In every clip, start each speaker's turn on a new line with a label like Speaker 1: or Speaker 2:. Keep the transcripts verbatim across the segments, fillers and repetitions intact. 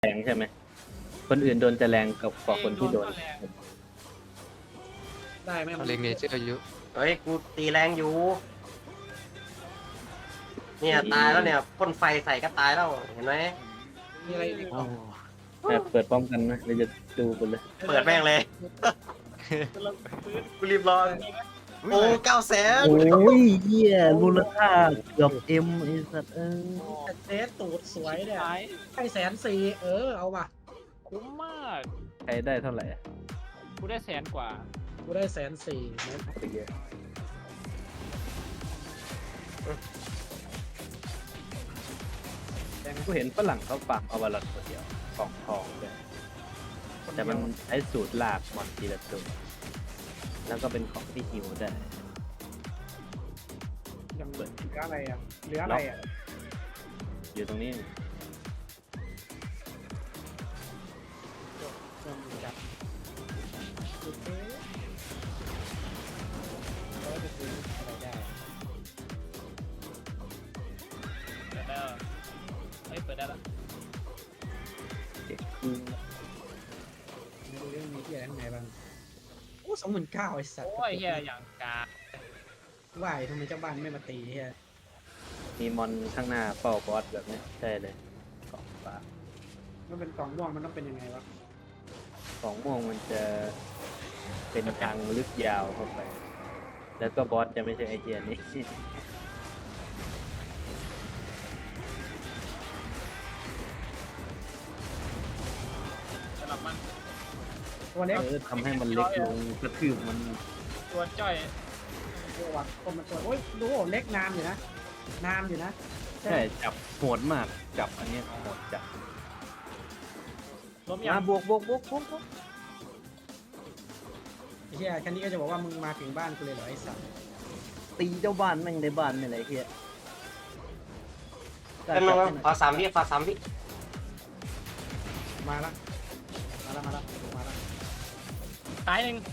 Speaker 1: แรงใช่ไหมคนอื่นโดนจะแรงกับกว่าคนที่โดน
Speaker 2: ได้ไหม
Speaker 3: เขาเล็งเนเจอร์อายุ
Speaker 4: เฮ้ยกูตีแรงอยู่เนี่ยตายแล้วเนี่ยพ่นไฟใส่ก็ตายแล้วเห็นไหม
Speaker 2: มีอะไรอีก
Speaker 1: แบบเปิดพร้อมกันนะเราจะดูกันเลย
Speaker 4: เปิดแม่งเลยกูรีบรอโอ้เก้าแสน
Speaker 1: โอ้ยเหี้ยมูลค่าเกือบเอ็มไอ้สัตว์เออ
Speaker 2: เซตตูดสวยเนี่ยให้แสนสี่เออเอามา
Speaker 5: คุ้มมาก
Speaker 1: ใครได้เท่าไหร่อะ
Speaker 5: กูได้แสนกว่า
Speaker 2: กูได้แสนสี่เมตร
Speaker 1: ไปเยอะแต่กูเห็นฝรั่งเขาฝากเอาวาลอนตัวเดียวของทองเลยแต่มันใช้สูตรลากมอนทีละตัวแล้วก็เป็นของที่ฮิวได้
Speaker 2: ยังเหลืออะไรอ่ะเหลืออะไรอ่ะ
Speaker 1: อยู่ตรงนี้
Speaker 2: ยังมีจับโอเคแล้วจะซื้ออะไรได้
Speaker 5: เปิดได้แล้วเฮ้ยเปิดได้แล้ว
Speaker 1: เด็กคือ
Speaker 2: ไม่รู้เรื่องมีที่อะไรข้างในบ้างโอ้สองหมื่นเก้าไอ้สัตว์
Speaker 5: โอ้ยเฮียอย่างกา
Speaker 2: ว่ายทำไมเจ้าบ้านไม่มาตีเฮีย
Speaker 1: มีมอนข้างหน้าเป้าบอสแบบนี้ใช่เลยของฟ้า
Speaker 2: มันเป็นกล่องม่วงมันต้องเป็นยังไงวะ
Speaker 1: ของม่วงมันจะเป็นทางลึกยาวเข้าไป แล้วก็บอสจะไม่ใช่ไอเดียนี้
Speaker 5: สำหรับมัน
Speaker 2: ตัวเล็ก
Speaker 1: เออทำให้มันเล็กลงกระทืบมัน
Speaker 5: ตัวจ้อย
Speaker 2: ตัววัดคนมันตัวโอ้ยดูเล็กนานอยู่นะนานอยู่นะ
Speaker 1: ใช่จับโหดมากจับอันเนี้ยโหดจับ
Speaker 5: ล้มยั
Speaker 1: มาง บวกบวกบวกบวกบวก
Speaker 2: ไอ้เฮียแค่นี้ก็จะบอกว่ามึงมาถึงบ้านกูเลยเหรอไอ้สัตว์
Speaker 1: ตีเจ้าบ้านแม่งในบ้านนี่แหละไอ้เฮีย
Speaker 4: เป็นมึงขอสามวิขอสามวิ
Speaker 2: มาละมาละมาละมาละ
Speaker 5: ตายหนึ่ง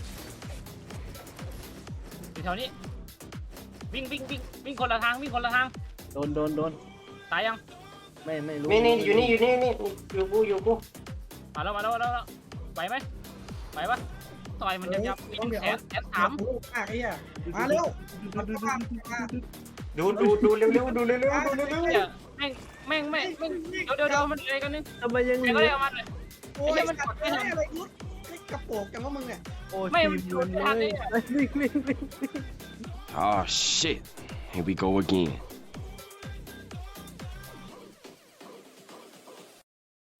Speaker 5: อยู่แถวนี้วิ่งวิ่งวิ่งวิ่งคนละทางวิ่งคนละทาง
Speaker 1: โดนโดนโดน
Speaker 5: ตายยัง
Speaker 1: ไม่ไม่รู้
Speaker 4: นี่นี่อยู่นี่อยู่นี่นี่อยู่กูอยู่กู
Speaker 5: มาแล้วมาแล้วมาแล้วไหวไหมไหวปะต่อยมันยับยับมีแสนแสนสาม
Speaker 2: โอ้มากไอ้เหี้ยมาเร็วมาเข้าบ้านมา
Speaker 4: ดูดูดูเร็วเร็วดูเร็วเร็วดูเร็วเร็ว
Speaker 5: เฮียแม่งแม่งแม่งแม่งเดี๋ยวเดี๋ยวเดี๋ยวมันอะไรกันนึง
Speaker 1: ทำไมยัง
Speaker 5: ใครก็ได้เอามันเลย
Speaker 2: โอ้ยมันกดไม่ได้อะไรยุดไม่กระโปงจังว่ามึงเนี่ย
Speaker 1: โอ้
Speaker 5: ไม่
Speaker 1: ที
Speaker 5: มัน
Speaker 1: ม
Speaker 5: โด
Speaker 1: มัน น
Speaker 5: ทันเลย
Speaker 1: วิ่งวิ่งวิ่ง
Speaker 6: Oh shit. Here we go again.